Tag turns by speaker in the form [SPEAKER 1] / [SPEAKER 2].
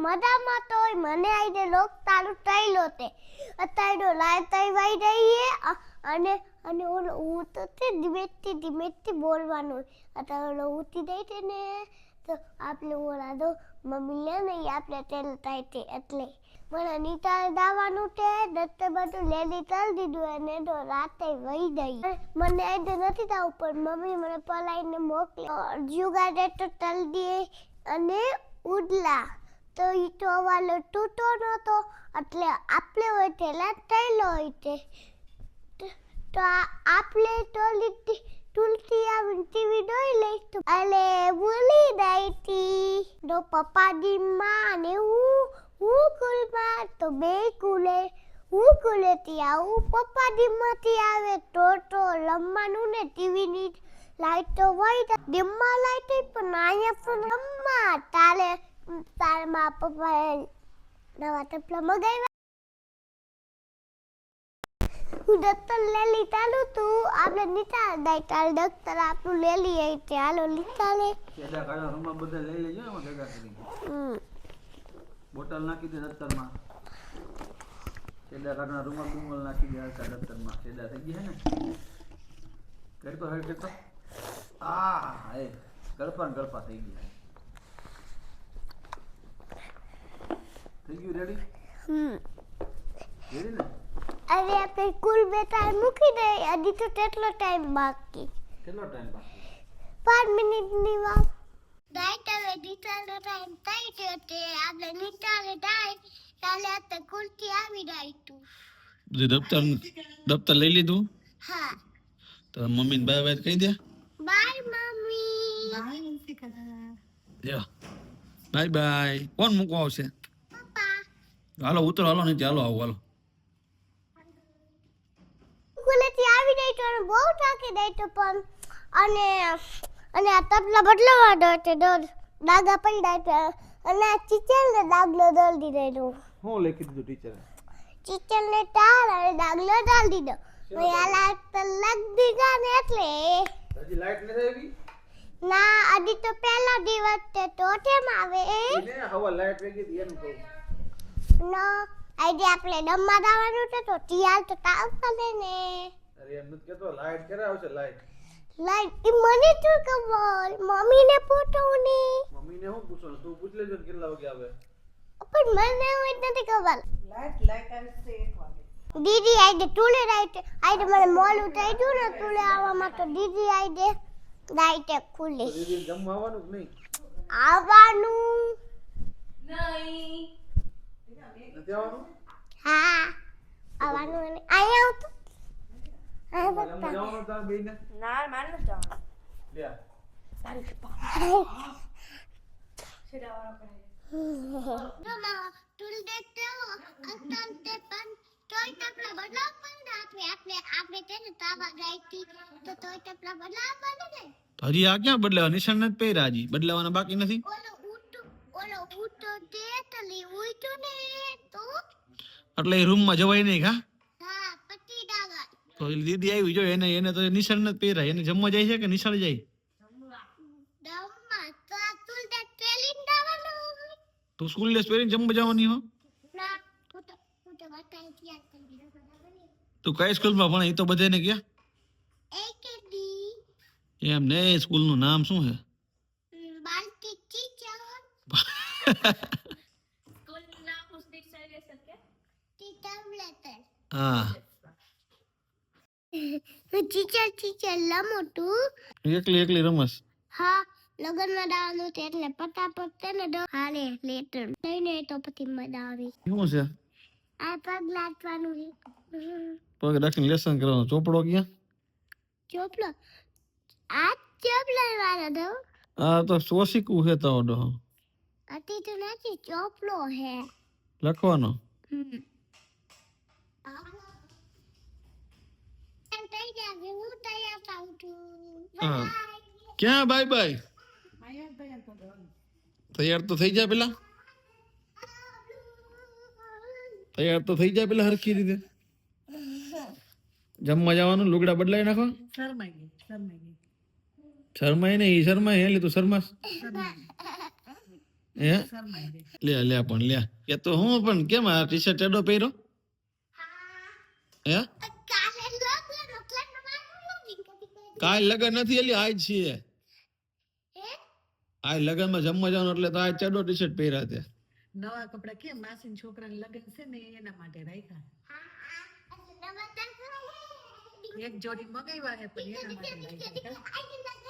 [SPEAKER 1] મજામાં તો મને આઈને લોક તારું તૈલો તે અત્યારે લાય તઈ વાઈ રહીએ અને અને ઓલો હું તો તે ધીમેથી બોલવાનું અત્યારે ઓલો ઉતી દઈ છે ને તો આપણે ઓલા દો મમ્મી લે ને આપણે તેલ થાય તે એટલે મને નીતારે દાવાનું તે દત્તે બધું લેલી તલ દીધું અને તો રાતે વહી ગઈ મને આઈને નથી દાવું પણ મમ્મી મને પલાઈને મોકલ્યો જુગાડે તો તલ દે અને ઉડલા તો ઈ તો વાલો તૂટો નતો એટલે આપણે હોય તેલા તૈલો હોય તે તો આપણે તો લીધી તુલસી આવીને ટીવી જોઈ લઈ તો અલે ભૂલી ગઈ તી તો પપ્પાજી માં ને હું કુલમાં તો બે કુલે હું કુલેથી આવું પપ્પાજી માંથી આવે તો લમવાનું ને ટીવી ની લાઈટ તો હોય ડિમ્મા લાઈટ પણ અહીંયા પણ લમ્મા તારે માં પપ્પાએ નવા ટપલા મગાવ્યા હું દત્તર લેલી ચાલુ તું આપણે નીચા દાઈ તાર દત્તર આપણું લેલી આવી તે હાલો લીધા લે
[SPEAKER 2] કેડા કાળા રૂમમાં બધા લઈ લેજો એમાં ભેગા કરી બોટલ નાખી દે દત્તરમાં કેડા કાળા રૂમમાં બુમલ નાખી દે આ દત્તરમાં કેડા થઈ ગયા ને કરતો હેડ કરતો એ ગળપા થઈ ગયા થઈ ગયું રેડી રેડી ને
[SPEAKER 1] અરે આપણે કુલ બેટા મૂકી દે હજી તો કેટલો ટાઈમ બાકી
[SPEAKER 2] કેટલો ટાઈમ બાકી
[SPEAKER 1] 5 મિનિટની વાત દાઈટ હવે નીચાનો ટાઈમ થઈ ગયો તે આપણે નીચાને દાઈ કાલે આ કુલથી આવી જાય તું
[SPEAKER 2] દફતર લઈ લીધું
[SPEAKER 1] હા
[SPEAKER 2] તો મમ્મી ને બાય કહી દે
[SPEAKER 1] બાય મમ્મી
[SPEAKER 2] બાય બાય કોણ મૂકવા આવશે
[SPEAKER 1] પપ્પા
[SPEAKER 2] હાલો ઉતરો હાલો નહીં ચાલો આવો હાલો
[SPEAKER 1] કુલથી આવી જાય તો બહુ થાકી જાય તો પણ અને આ તબલા બદલાવા દો તે ડાગા પડ્યા છે અને આ ચીચલને ડાગલો દોલ દીધો
[SPEAKER 2] હું લખી દીધું ટીચરે
[SPEAKER 1] ચીચલને તાર અને ડાગલો દોલ દીધો મેં આ લાઈટ તો લગ દીધા ને એટલે
[SPEAKER 2] હજી લાઈટ નથી આવી
[SPEAKER 1] ના અડી તો પહેલા દિવસ તે તો કેમ આવે
[SPEAKER 2] એને હવા લાઈટ વેગી દી એનું કહું
[SPEAKER 1] ના આઈડી આપણે ડમમાં દાવાનું છે તો તિયાલ તો તાવ કરે ને
[SPEAKER 2] અરે એમ નથી કેતો લાઈટ ક્યારે આવશે લાઈટ
[SPEAKER 1] ઈ મને તો ખબર મમ્મીને પૂછોને
[SPEAKER 2] મમ્મીને હું પૂછો તું પૂછ લેજો ને કેટલા વાગે આવે
[SPEAKER 1] પણ મને એવું નથી ખબર
[SPEAKER 3] લાઈટ આવશે 1 વાગે
[SPEAKER 1] દીદી આઈડે તુલે રાઈટ આઈડે મને મોલ ઉઠાઈ દઉં ને તુલે આવવામાં તો દીદી આઈડે રાઈટ ખુલે
[SPEAKER 2] દીદી જમવા આવવાનું કે નહીં
[SPEAKER 1] આવવાનું
[SPEAKER 3] નહીં
[SPEAKER 2] નથી આવવાનું
[SPEAKER 1] હા આવવાનું અને અહીંયા આવતું
[SPEAKER 2] જમવા જવાનું તાર બેયને
[SPEAKER 3] ના માન ન જવાનું
[SPEAKER 2] લે
[SPEAKER 3] તારી શેડાવાળો કરે
[SPEAKER 1] મમ્મા તુલ દેખતે હો અંતંતે પણ તોય ટપલા બદલાવ પણ આપણે તેને તાવા ગાઈતી તો તોય ટપલા બદલાવ પડે ને
[SPEAKER 2] હજી આ ક્યાં બદલાવા નિશાન નથી પહેર્યા હજી બદલાવાના બાકી નથી
[SPEAKER 1] ઓલો ઉઠો દેતલી ઉઠો ને તો
[SPEAKER 2] એટલે એ રૂમમાં જવાય નહીં કા
[SPEAKER 1] હા પતિ ડાગા
[SPEAKER 2] તો એ દીદી આવી જો એને તો નિશાન નથી પહેર્યા એને જમવા જાય છે કે નિશાળ જાય
[SPEAKER 1] દમમાં તો તુલ દે ટ્રેલિંગ દાવાનો
[SPEAKER 2] તું સ્કૂલ ડ્રેસ પહેરીને જમવા જવાની હો
[SPEAKER 1] ના હું તો વાટાઈ તૈયાર કરી દીધો
[SPEAKER 2] તું કઈ સ્કૂલમાં ભણે એ તો બધાને ગયા
[SPEAKER 1] એકેડી
[SPEAKER 2] એમ ને સ્કૂલનું નામ શું છે
[SPEAKER 1] બાલટી ટીચર
[SPEAKER 3] સ્કૂલ ના પુસ્તક સર્વે શકે
[SPEAKER 1] ટીચર લેટર
[SPEAKER 2] હા
[SPEAKER 1] ટીચર લમોટું
[SPEAKER 2] એકલી રમસ
[SPEAKER 1] હા લગનમાં દાવાનું છે એટલે પટાપટ તેને હાલે લેટર લઈને તો પછી મજા આવી
[SPEAKER 2] શું છે
[SPEAKER 1] આ પગ લાટવાનું છે
[SPEAKER 2] પગ રાખીને લેસન કરવાનું ચોપડો ક્યાં
[SPEAKER 1] ચોપલો આ ચોપલો વાળો દો
[SPEAKER 2] આ તો સોશીકું છે તો ડો
[SPEAKER 1] અતિ તો નથી ચોપલો હે
[SPEAKER 2] લખવાનો હા ક્યાં બાય બાય તૈયાર તો થઈ જાય પેલા હરખી રીતે જમવા જવાનું લુગડા બદલાઈ નાખો શરમાય ને ઈ શરમાય એટલે તું શરમાસ
[SPEAKER 4] હે
[SPEAKER 5] શરમાઈ
[SPEAKER 4] લે
[SPEAKER 5] ગઈ.
[SPEAKER 4] લે પણ લે કે તો હું પણ કેમ આ ટી શર્ટ ચડો પહેર્યો હે
[SPEAKER 1] કાલે લગન એટલે નવાનું નથી
[SPEAKER 4] કાલ લગન નથી એલી આજ છે
[SPEAKER 1] હે
[SPEAKER 4] આ લગનમાં જમવા જવાનું એટલે તો આ ચડો ટી શર્ટ પહેર્યા તે
[SPEAKER 5] નવા કપડા કેમ માસીના છોકરાને લગ્ન છે ને એના માટે રાખ્યા.
[SPEAKER 1] નવા
[SPEAKER 5] એક જોડી મગાવ્યા છે પણ એના માટે રાખ્યા.